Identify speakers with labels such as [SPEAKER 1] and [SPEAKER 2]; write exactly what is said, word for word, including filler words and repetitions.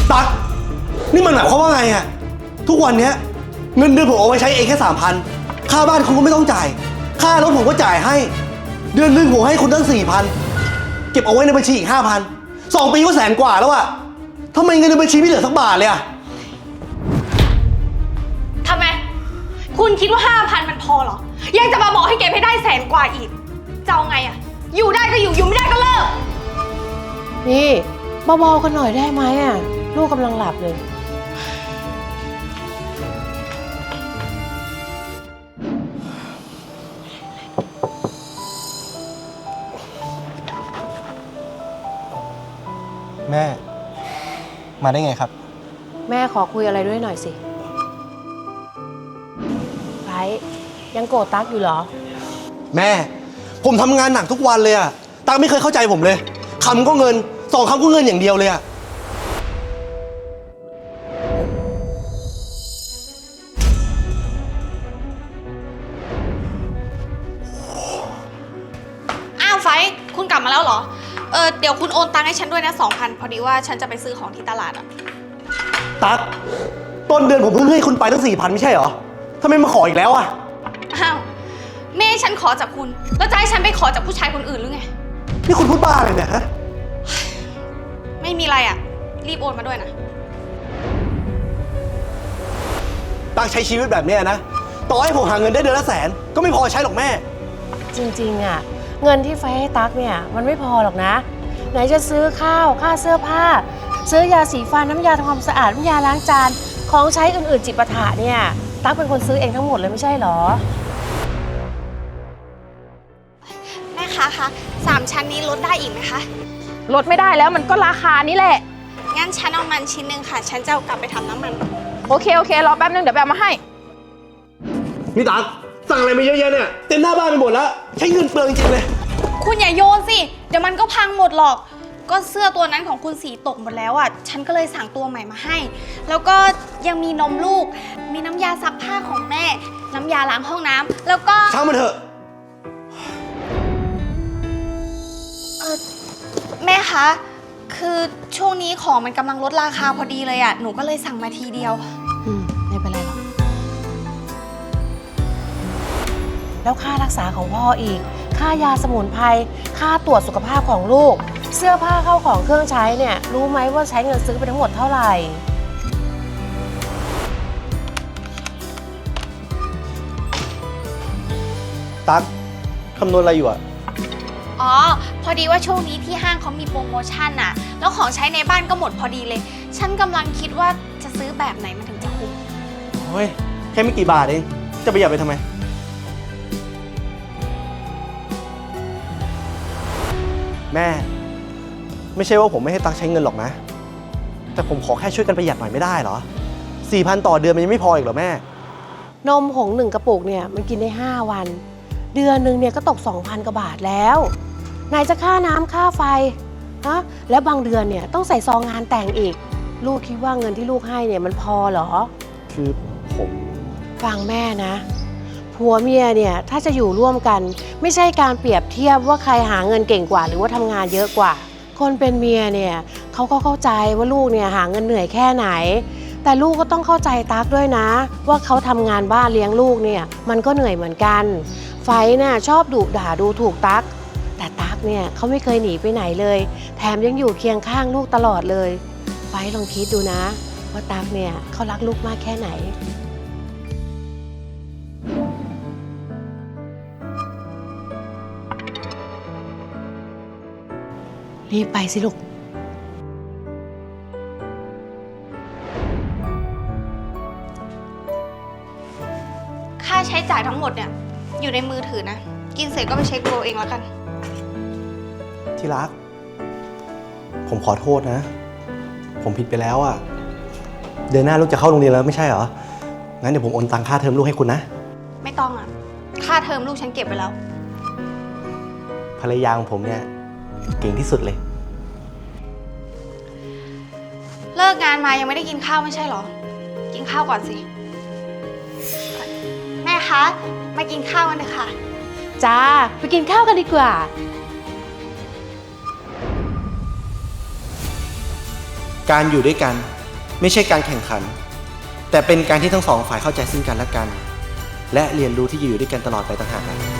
[SPEAKER 1] ตั๊กนี่มันหมายความว่าไงอะทุกวันเนี้ยเงินเดือนผมเอาไว้ใช้เองแค่สามพันค่าบ้านคุณก็ไม่ต้องจ่ายค่ารถผมก็จ่ายให้เดือนหนึ่งผมให้คุณตั้งสี่พันเก็บเอาไว้ในบัญชีอีกห้าพันสองปีก็แสนกว่าแล้วอะทำไมเงินในบัญชีไม่เหลือสักบาทเลยอะ
[SPEAKER 2] ทำไมคุณคิดว่าห้าพันมันพอเหรอยังจะมาบอกให้เก็บให้ได้แสนกว่าอีกจะเอาไงอะอยู่ได้ก็อยู่อยู่ไม่ได้ก็เลิก
[SPEAKER 3] นี่เบาๆกันหน่อยได้ไหมอ่ะลูกกำลังหลับเลย
[SPEAKER 1] แม่มาได้ไงครับ
[SPEAKER 3] แม่ขอคุยอะไรด้วยหน่อยสิไบร์ทยังโกรธตั๊กอยู่เหรอ
[SPEAKER 1] แม่ผมทำงานหนักทุกวันเลยอะตั๊กไม่เคยเข้าใจผมเลยคำก็เงินสองคำก็เงินอย่างเดียวเลยอะ
[SPEAKER 2] อ้าวไฟคุณกลับมาแล้วเหรอเออเดี๋ยวคุณโอนตังค์ให้ฉันด้วยนะสองพันพอดีว่าฉันจะไปซื้อของที่ตลาดอะ
[SPEAKER 1] ตั๊กต้นเดือนผมเพิ่งให้คุณไปตั้งสี่พันไม่ใช่เหรอทำไมมาขออีกแล้วอะ
[SPEAKER 2] อ้าวแม่ฉันขอจากคุณแล้วจะให้ฉันไปขอจากผู้ชายคนอื่นหรือไง
[SPEAKER 1] นี่คุณพูดบ้าเลยเนี่ยฮะ
[SPEAKER 2] ไม่มีอะไรอะรีบโอนมาด้วยนะ
[SPEAKER 1] ตั๊กใช้ชีวิตแบบนี้นะต่อให้ผมหาเงินได้เดือนละแสนก็ไม่พอใช้หรอกแม่
[SPEAKER 3] จริงๆอ่ะเงินที่ไฟให้ตั๊กเนี่ยมันไม่พอหรอกนะไหนจะซื้อข้าวค่าเสื้อผ้าซื้อยาสีฟันน้ำยาทำความสะอาดน้ำยาล้างจานของใช้อื่นๆจิปาถะเนี่ยตั๊กเป็นคนซื้อเองทั้งหมดเลยไม่ใช่หรอ
[SPEAKER 2] แม่คะคะสามชั้นนี้ลดได้อีกไหมคะ
[SPEAKER 3] ลดไม่ได้แล้วมันก็ราคานี้แหละ
[SPEAKER 2] งั้นฉันเอามันชิ้นหนึ่งค่ะฉันจะเอากลับไปทำน้ำมัน
[SPEAKER 3] โอเคโอเครอแป๊บนึงเดี๋ยวไปเอามาให้
[SPEAKER 1] นี่ตั๊กสั่งอะไรมาเยอะแยะเนี่ยเต็มหน้าบ้านไปหมดแล้วใช้เงินเปลืองจริงเลย
[SPEAKER 2] คุณอย่าโยนสิเดี๋ยวมันก็พังหมดหรอกก็เสื้อตัวนั้นของคุณสีตกหมดแล้วอ่ะฉันก็เลยสั่งตัวใหม่มาให้แล้วก็ยังมีนมลูกมีน้ำยาซักผ้าของแม่น้ำยาล้างห้องน้ำแล้วก็
[SPEAKER 1] ช่างมันเถอะ
[SPEAKER 2] แม่คะคือช่วงนี้ของมันกำลังลดราคาพอดีเลยอ่ะหนูก็เลยสั่งมาทีเดียว
[SPEAKER 3] อืมไม่เป็นไรหรอกแล้วค่ารักษาของพ่ออีกค่ายาสมุนไพรค่าตรวจสุขภาพของลูกเสื้อผ้าเข้าของเครื่องใช้เนี่ยรู้ไหมว่าใช้เงินซื้อไปทั้งหมดเท่าไหร่
[SPEAKER 1] ตั๊กคำนวณอะไรอยู่อะ
[SPEAKER 2] อ๋อพอดีว่าช่วงนี้ที่ห้างเขามีโปรโมชั่นน่ะแล้วของใช้ในบ้านก็หมดพอดีเลยฉันกำลังคิดว่าจะซื้อแบบไหนมันถึงจะคุ้ม
[SPEAKER 1] โอ้ยแค่ไม่กี่บาทเองจะประหยัดไปทำไมแม่ไม่ใช่ว่าผมไม่ให้ตั๊กใช้เงินหรอกนะแต่ผมขอแค่ช่วยกันประหยัดหน่อยไม่ได้เหรอสี่พันต่อเดือนมันยังไม่พออีกเหรอแม่
[SPEAKER 3] นมผงหนึ่งกระปุกเนี่ยมันกินได้ห้าวันเดือนหนึ่งเนี่ยก็ตก สองพัน กว่าบาทแล้วไหนจะค่าน้ำค่าไฟฮะแล้วบางเดือนเนี่ยต้องใส่ซองงานแต่งอีกลูกคิดว่าเงินที่ลูกให้เนี่ยมันพอเหรอ
[SPEAKER 1] คือผม
[SPEAKER 3] ฟังแม่นะผัวเมียเนี่ยถ้าจะอยู่ร่วมกันไม่ใช่การเปรียบเทียบว่าใครหาเงินเก่งกว่าหรือว่าทำงานเยอะกว่าคนเป็นเมียเนี่ยเขาก็เข้าใจว่าลูกเนี่ยหาเงินเหนื่อยแค่ไหนแต่ลูกก็ต้องเข้าใจตั๊กด้วยนะว่าเขาทำงานบ้านเลี้ยงลูกเนี่ยมันก็เหนื่อยเหมือนกันไฟน่ะชอบดุด่าดูถูกตั๊กแต่ตั๊กเนี่ยเขาไม่เคยหนีไปไหนเลยแถมยังอยู่เคียงข้างลูกตลอดเลยไฟลองคิดดูนะว่าตั๊กเนี่ยเขารักลูกมากแค่ไหนรีบไปสิลูก
[SPEAKER 2] ค่าใช้จ่ายทั้งหมดเนี่ยอยู่ในมือถือนะกินเสร็จก็ไปเช็คดูเองแล้วกัน
[SPEAKER 1] ที่รักผมขอโทษนะผมผิดไปแล้วอ่ะเดือนหน้าลูกจะเข้าโรงเรียนแล้วไม่ใช่เหรองั้นเดี๋ยวผมโอนตังค่าเทอมลูกให้คุณนะ
[SPEAKER 2] ไม่ต้องอ่ะค่าเทอมลูกฉันเก็บไปแล้ว
[SPEAKER 1] ภรรยาของผมเนี่ยเก่งที่สุดเลย
[SPEAKER 2] เลิกงานมายังไม่ได้กินข้าวไม่ใช่เหรอกินข้าวก่อนสิแม่คะมากินข้าวกันเถอะค่ะ
[SPEAKER 3] จ้าไปกินข้าวกันดีกว่า
[SPEAKER 1] การอยู่ด้วยกันไม่ใช่การแข่งขัน แต่เป็นการที่ทั้งสองฝ่ายเข้าใจซึ่งกันและกัน และเรียนรู้ที่จะอยู่ด้วยกันตลอดไปต่างหาก